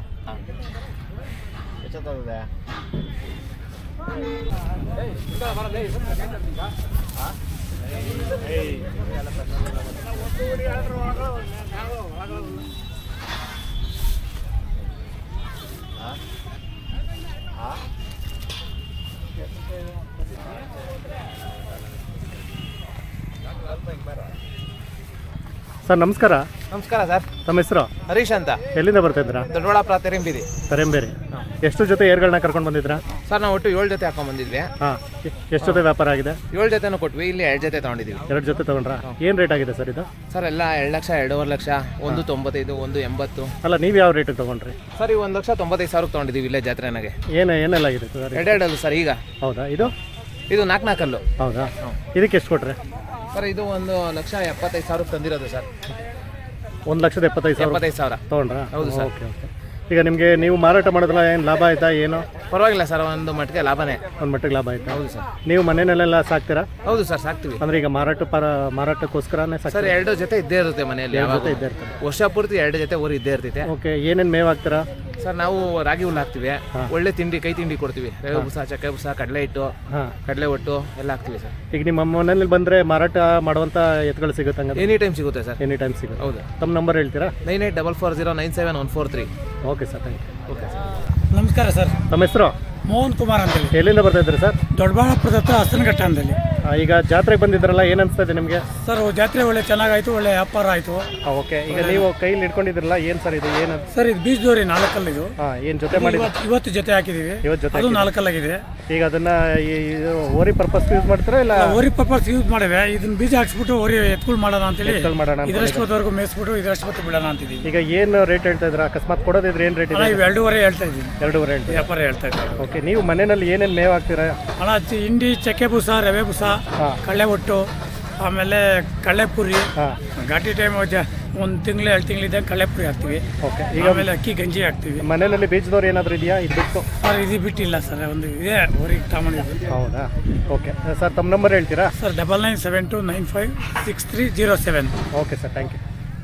Speaker 2: ಸರ್ ನಮಸ್ಕಾರ.
Speaker 9: ನಮಸ್ಕಾರ ಸರ್.
Speaker 2: ತಮ್ಮ ಹೆಸರು?
Speaker 9: ಹರೀಶ್ ಅಂತ.
Speaker 2: ಎಲ್ಲಿಂದ ಬರ್ತಾ ಇದ್ದೀರಾ?
Speaker 9: ದೊಡ್ಡಬಳ್ಳಾಪುರ ತೆರೆಂಬಿದಿ.
Speaker 2: ತರೆಂಬೇರಿ. ಎಷ್ಟು ಜೊತೆ ಏರ್ಗಳನ್ನ ಕರ್ಕೊಂಡು ಬಂದಿದ್ರಾ
Speaker 9: ಸರ್? ನಾವು ಒಟ್ಟು 7 ಜೊತೆ ಹಾಕೊಂಡ್ ಬಂದಿದ್ವಿ.
Speaker 2: ಹಾಂ, ಎಷ್ಟು ಜೊತೆ ವ್ಯಾಪಾರ ಆಗಿದೆ?
Speaker 9: 7 ಜೊತೆನೂ ಕೊಟ್ವಿ, ಇಲ್ಲಿ 2 ಜೊತೆ ತಗೊಂಡಿದ್ದೀವಿ.
Speaker 2: 2 ಜೊತೆ ತಗೊಂಡ್ರಾ? ಏನು ರೇಟ್ ಆಗಿದೆ ಸರ್ ಇದು?
Speaker 9: ಸರ್ ಎಲ್ಲ 2 ಲಕ್ಷ, 2.5 ಲಕ್ಷ, 195, 180.
Speaker 2: ಅಲ್ಲ, ನೀವು ಯಾವ ರೇಟಿಗೆ ತೊಗೊಂಡ್ರಿ?
Speaker 9: ಸರ್ ಈ 1,95,000 ತಗೊಂಡಿದ್ದೀವಿ ಇಲ್ಲೇ ಜಾತ್ರೆನಾಗೆ.
Speaker 2: ಏನೆಲ್ಲ ಆಗಿದೆ ಸರ್?
Speaker 9: 2 ಸರ್. ಈಗ
Speaker 2: ಹೌದಾ? ಇದು
Speaker 9: 4
Speaker 2: ಹೌದಾ? ಇದಕ್ಕೆ ಎಷ್ಟು ಕೊಟ್ರೆ
Speaker 9: ಸರ್? ಇದು 1,75,000 ತಂದಿರೋದು ಸರ್.
Speaker 2: 1,75,000 ತೊಗೊಂಡ್ರಾ?
Speaker 9: ಹೌದು ಸರ್.
Speaker 2: ಓಕೆ. ಈಗ ನಿಮಗೆ ನೀವು ಮಾರಾಟ ಮಾಡೋದ್ರಲ್ಲ, ಏನು ಲಾಭ ಆಯ್ತಾ? ಏನು
Speaker 9: ಪರವಾಗಿಲ್ಲ ಸರ್, ಒಂದು ಮಟ್ಟಿಗೆ ಲಾಭನೇ.
Speaker 2: ಒಂದು ಮಟ್ಟಿಗೆ ಲಾಭ ಆಯ್ತಾ?
Speaker 9: ಹೌದು ಸರ್.
Speaker 2: ನೀವು ಮನೆಯಲ್ಲೆಲ್ಲ ಸಾಕ್ತೀರಾ?
Speaker 9: ಹೌದು ಸರ್, ಸಾಕ್ತೀವಿ.
Speaker 2: ಅಂದ್ರೆ ಈಗ ಮಾರಾಟಕ್ಕೋಸ್ಕರನೇ
Speaker 9: ಸರ್
Speaker 2: ಸಾಕ್ತೀರಾ?
Speaker 9: 2 ಜೊತೆ ಇದ್ದೇ ಇರುತ್ತೆ ಮನೆಯಲ್ಲಿ.
Speaker 2: ಜೊತೆ ಇದ್ದೇ ಇರ್ತಾರೆ.
Speaker 9: ವರ್ಷ ಪೂರ್ತಿ 2 ಜೊತೆ ಊರು ಇದ್ದೇ ಇರ್ತೈತೆ.
Speaker 2: ಓಕೆ, ಏನೇನು ಮೇವು ಹಾಕ್ತೀರಾ
Speaker 9: ಸರ್? ನಾವು ರಾಗಿ ಹುಲ್ಲು ಹಾಕ್ತಿವಿ, ಒಳ್ಳೆ ತಿಂಡಿ, ಕೈ ತಿಂಡಿ ಕೊಡ್ತೀವಿ. ರವೆ ಬೂಸ, ಚಕ್ಕೆ ಬೂಸ, ಕಡಲೆ ಹಿಟ್ಟು, ಕಡಲೆ ಒಟ್ಟು ಎಲ್ಲ ಹಾಕ್ತಿವಿ ಸರ್.
Speaker 2: ಈಗ ನಿಮ್ಮ ಮನೆಯಲ್ಲಿ ಬಂದರೆ ಮಾರಾಟ ಮಾಡುವಂಥ ಎತ್ತುಗಳು ಸಿಗುತ್ತೆ?
Speaker 9: ಎನಿ ಟೈಮ್ ಸಿಗುತ್ತೆ ಸರ್.
Speaker 2: ಎನಿ ಟೈಮ್ ಸಿಗುತ್ತೆ.
Speaker 9: ಹೌದು.
Speaker 2: ತಮ್ಮ ನಂಬರ್ ಹೇಳ್ತೀರಾ?
Speaker 9: 9844097143.
Speaker 2: Okay sir, thank you.
Speaker 9: Okay sir.
Speaker 6: ನಮಸ್ಕಾರ ಸರ್.
Speaker 2: ನಮ್ಮ ಹೆಸರು?
Speaker 6: ಮೋಹನ್ ಕುಮಾರ್ ಅಂತೇಳಿ.
Speaker 2: ಎಲ್ಲಿಂದ ಬರ್ತಾ ಇದ್ರಿ ಸರ್?
Speaker 6: ದೊಡ್ಡಬಳ್ಳಾಪುರದ ಹತ್ರ ಹಸನಘಟ್ಟ ಅಂತೇಳಿ.
Speaker 2: ಈಗ ಜಾತ್ರೆಗೆ ಬಂದಿದ್ರಲ್ಲ, ಏನು ಅನಿಸ್ತಾ ಇದೆ ನಿಮಗೆ?
Speaker 6: ಸರ್ ಜಾತ್ರೆ ಒಳ್ಳೆ ಚೆನ್ನಾಗಾಯ್ತು, ಒಳ್ಳೆ ವ್ಯಾಪಾರ ಆಯಿತು.
Speaker 2: ಓಕೆ, ಈಗ ನೀವು ಕೈಲಿ ಇಟ್ಕೊಂಡಿದ್ರಲ್ಲ, ಏನು ಸರ್ ಇದು? ಏನು
Speaker 6: ಸರ್ ಇದು ಬೀಜದೋರಿ 4 ಕಲ್ಲಿದು.
Speaker 2: ಏನು ಜೊತೆ ಮಾಡಿ?
Speaker 6: ಇವತ್ತು ಜೊತೆ ಹಾಕಿದ್ದೀವಿ.
Speaker 2: ಇವತ್ತು ಜೊತೆ
Speaker 6: ಅದು 4 ಕಲ್ಲಾಗಿದೆ.
Speaker 2: ಈಗ ಅದನ್ನ ಓರಿ ಪರ್ಪಸ್ ಯೂಸ್ ಮಾಡ್ತೀರಾ ಇಲ್ಲ?
Speaker 6: ಓರಿ ಪರ್ಪಸ್ ಯೂಸ್ ಮಾಡಿವೆ. ಇದನ್ನ ಬೀಜ ಹಾಕ್ಸ್ಬಿಟ್ಟು ಓರಿ ಎತ್ಕೊಳ್ ಮಾಡೋಣ ಅಂತೇಳಿ
Speaker 2: ಮಾಡೋಣ.
Speaker 6: ಇದರಷ್ಟು ಹೊತ್ತವರೆಗೂ ಮೇಯಿಸ್ಬಿಟ್ಟು ಇದರಷ್ಟು ಹೊತ್ತು ಬಿಡೋಣ ಅಂತಿದ್ದೀವಿ.
Speaker 2: ಈಗ ಏನು ರೇಟ್ ಹೇಳ್ತಾ ಇದ್ರ? ಅಕಸ್ಮಾತ್ ಕೊಡೋದಿದ್ರೆ ಏನು ರೇಟ್ ಇದೆ?
Speaker 6: 2.5 ಹೇಳ್ತಾ ಇದ್ದೀವಿ.
Speaker 2: 2.5 ಹೇಳ್ತೀವಿ.
Speaker 6: ವ್ಯಾಪಾರ ಹೇಳ್ತಾ ಇದ್ದೀವಿ.
Speaker 2: ಓಕೆ, ನೀವು ಮನೆಯಲ್ಲಿ ಏನೇನು ಮೇವು ಹಾಕ್ತೀರಾ?
Speaker 6: ಹಿಂಡಿ, ಚಕ್ಕೆ ಬೂಸ, ರವೆ ಬೂಸ, ಕಳ್ಳೆ ಒಟ್ಟು, ಆಮೇಲೆ ಕಳ್ಳೆಪುರಿ. ಘಾಟಿ ಟೈಮ್ 1 ತಿಂಗಳು 2 ತಿಂಗಳಿದ್ದಾಗ ಕಳ್ಳೆಪುರಿ ಹಾಕ್ತೀವಿ.
Speaker 2: ಓಕೆ, ಈಗ
Speaker 6: ಆಮೇಲೆ ಅಕ್ಕಿ ಗಂಜಿ ಹಾಕ್ತೀವಿ.
Speaker 2: ಮನೆಯಲ್ಲಿ ಬೀಜದವ್ರು ಏನಾದರೂ ಇದೆಯಾ? ಇದು ಬಿಟ್ಟು
Speaker 6: ಸರ್ ಇದು ಬಿಟ್ಟಿಲ್ಲ ಸರ್, ಒಂದು ಇದೆ ಊರಿಗೆ ತಗೊಂಡಿದ್ದು.
Speaker 2: ಹೌದಾ? ಓಕೆ ಸರ್, ತಮ್ಮ ನಂಬರ್ ಹೇಳ್ತೀರಾ?
Speaker 6: Sir 9972956307.
Speaker 2: Okay sir, thank you.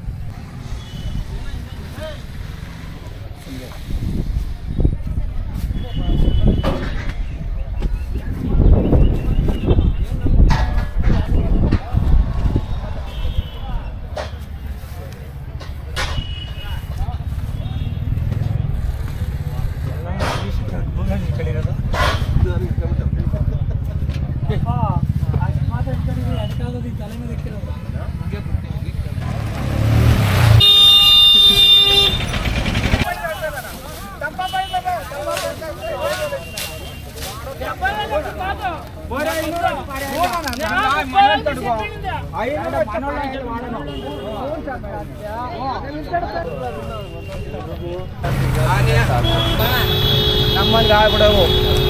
Speaker 9: ನಮ್ಮಂಗೆ ಆಗ್ಬಿಡವು.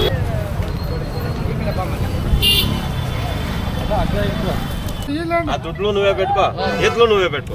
Speaker 8: దుడ్లు నువ్వే పెట్టుకో, ఎద్దులు నువ్వే పెట్టుకో.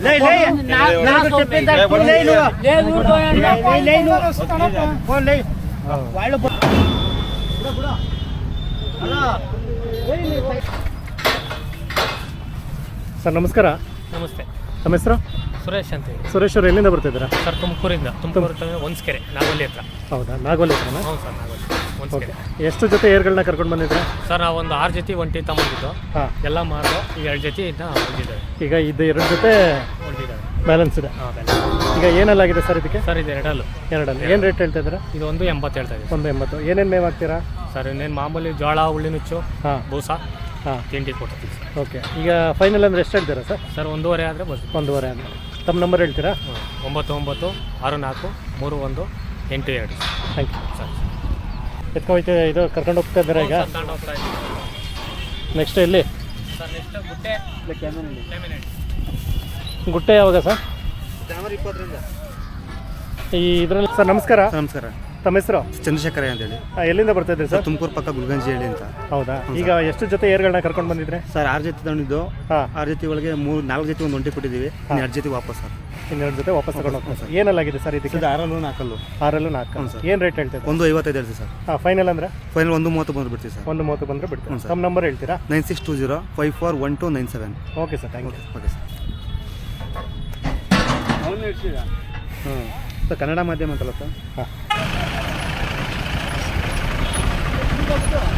Speaker 2: ಸರ್ ನಮಸ್ಕಾರ.
Speaker 6: ನಮಸ್ತೆ,
Speaker 2: ನಮ್ಮ ಹೆಸರು?
Speaker 6: ಸುರೇಶ್ ಅಂತ ಹೇಳಿ.
Speaker 2: ಸುರೇಶ್ ಅವರು ಎಲ್ಲಿಂದ ಬರ್ತಿದ್ದೀರಾ?
Speaker 6: ಸರ್ ತುಮಕೂರು ಒಂದ್ಸ್ಕೆರೆ ನಾಗೋಲಿ ಹತ್ರ.
Speaker 2: ಹೌದಾ, ನಾಗೋಲಿ ಹತ್ರನಾ?
Speaker 6: ಹೌದು ಸರ್, ನಾಗೋಲಿ ಒಂದ್ಸ್ಕೆರೆ.
Speaker 2: ಎಷ್ಟು ಜೊತೆ ಏರ್ಗಳನ್ನ ಕರ್ಕೊಂಡು ಬಂದಿದ್ರೆ?
Speaker 6: ಸರ್ ನಾವು ಒಂದು 6 ಜೊತೆ ಒಂಟಿ ತಗೊಂಡಿದ್ದು.
Speaker 2: ಹಾಂ,
Speaker 6: ಎಲ್ಲ ಮಾರು ಈಗ 2 ಜೊತೆ ಇದ್ದ ಉಳಿದಿದ್ದಾವೆ.
Speaker 2: ಈಗ ಇದು 2 ಜೊತೆ
Speaker 6: ಉಳಿದಿದ್ದಾವೆ,
Speaker 2: ಬ್ಯಾಲೆನ್ಸ್ ಇದೆ.
Speaker 6: ಹಾಂ.
Speaker 2: ಈಗ ಏನಲ್ಲಾಗಿದೆ ಸರ್ ಇದಕ್ಕೆ?
Speaker 6: ಸರ್ ಇದು ಎರಡಲ್ಲಿ
Speaker 2: ಏನು ರೇಟ್ ಹೇಳ್ತಾ ಇದ್ದೀರಾ?
Speaker 6: ಇದು 180 ಹೇಳ್ತಾ ಇದ್ದೀವಿ.
Speaker 2: 180. ಏನೇನು ಮೇವು ಹಾಕ್ತೀರಾ?
Speaker 6: ಸರ್ ಇನ್ನೇನು ಮಾಮೂಲಿ ಜೋಳ, ಉಳ್ಳಿನುಚ್ಚು,
Speaker 2: ಹಾಂ,
Speaker 6: ಬೂಸ,
Speaker 2: ಹಾಂ,
Speaker 6: ತಿಂಡಿ ಕೊಡ್ತೀವಿ ಸರ್.
Speaker 2: ಓಕೆ. ಈಗ ಫೈನಲ್ ಅಂದರೆ ಎಷ್ಟು ಹೇಳ್ತೀರಾ ಸರ್?
Speaker 6: ಸರ್ 1.5 ಆದರೆ ಬರ್ತೀವಿ.
Speaker 2: 1.5 ಅಂದರೆ ತಮ್ಮ ನಂಬರ್ ಹೇಳ್ತೀರಾ?
Speaker 6: 99644882.
Speaker 2: ಥ್ಯಾಂಕ್ ಯು
Speaker 6: ಸರ್
Speaker 2: ಎತ್ಕೊಯ್ತು. ಇದು ಕರ್ಕೊಂಡು ಹೋಗ್ತಾ ಇದ್ದೀರಾ ಈಗ? ನೆಕ್ಸ್ಟ್ ಎಲ್ಲಿ?
Speaker 6: ಸರ್ ನೆಕ್ಸ್ಟ್
Speaker 2: ಗುಟ್ಟೆ ಯಾವಾಗ ಸರ್?
Speaker 4: ಜನವರಿ 20ರಿಂದ.
Speaker 2: ಈ ಇದರಲ್ಲಿ ಸರ್ ನಮಸ್ಕಾರ.
Speaker 4: ನಮಸ್ಕಾರ.
Speaker 2: ತಮ್ಮ ಹೆಸರು?
Speaker 4: ಚಂದ್ರಶೇಖರ ಅಂತೇಳಿ.
Speaker 2: ಎಲ್ಲಿಂದ ಬರ್ತಾ ಇದ್ರಿ ಸರ್?
Speaker 4: ತುಮಕೂರು ಪಕ್ಕ ಗುಲ್ಗಂಜಿ ಹೇಳಿ ಅಂತ.
Speaker 2: ಹೌದಾ. ಈಗ ಎಷ್ಟು ಜೊತೆ ಏರ್ಗಳನ್ನ ಕರ್ಕೊಂಡು ಬಂದಿದ್ರೆ?
Speaker 4: ಸರ್ 6 ಜೊತೆ ತಗೊಂಡಿದ್ದು.
Speaker 2: ಹಾಂ,
Speaker 4: 6 ಜೊತೆ ಒಳಗೆ 4 ಜೊತೆ ಒಂದು ಒಂಟಿ ಕೊಟ್ಟಿದ್ದೀವಿ. 2 ಜೊತೆ ವಾಪಸ್ ಸರ್.
Speaker 2: 2 ಜೊತೆ ವಾಪಸ್ ತಗೊಂಡು ಹೋಗ್ತಾರೆ ಸರ್. ಏನಲ್ಲಾಗಿದೆ ಸರ್ ಇದಕ್ಕೆ?
Speaker 4: 6 ನಾಲ್ಕಲ್ಲು.
Speaker 2: 6 4. ಏನು ರೇಟ್ ಹೇಳ್ತೀರಾ?
Speaker 4: 1.55 ಹೇಳ್ತೀವಿ ಸರ್.
Speaker 2: ಹಾಂ, ಫೈನಲ್ ಅಂದರೆ?
Speaker 4: ಫೈನಲ್ 1.30 ಬಂದು ಬಿಡ್ತೀವಿ ಸರ್.
Speaker 2: 1.30 ಬಂದರೆ ಬಿಡ್ತೀರಾ?
Speaker 4: ಹ್ಞೂ ಸರ್.
Speaker 2: ತಮ್ಮ ನಂಬರ್ ಹೇಳ್ತೀರಾ?
Speaker 4: 9620541297.
Speaker 2: Okay sir, thank you.
Speaker 4: Okay sir. ಹ್ಞೂ ಸರ್, ಕನ್ನಡ ಮಾಧ್ಯಮ ಅಂತಲ್ಲ ಸರ್?
Speaker 2: ಹಾಂ.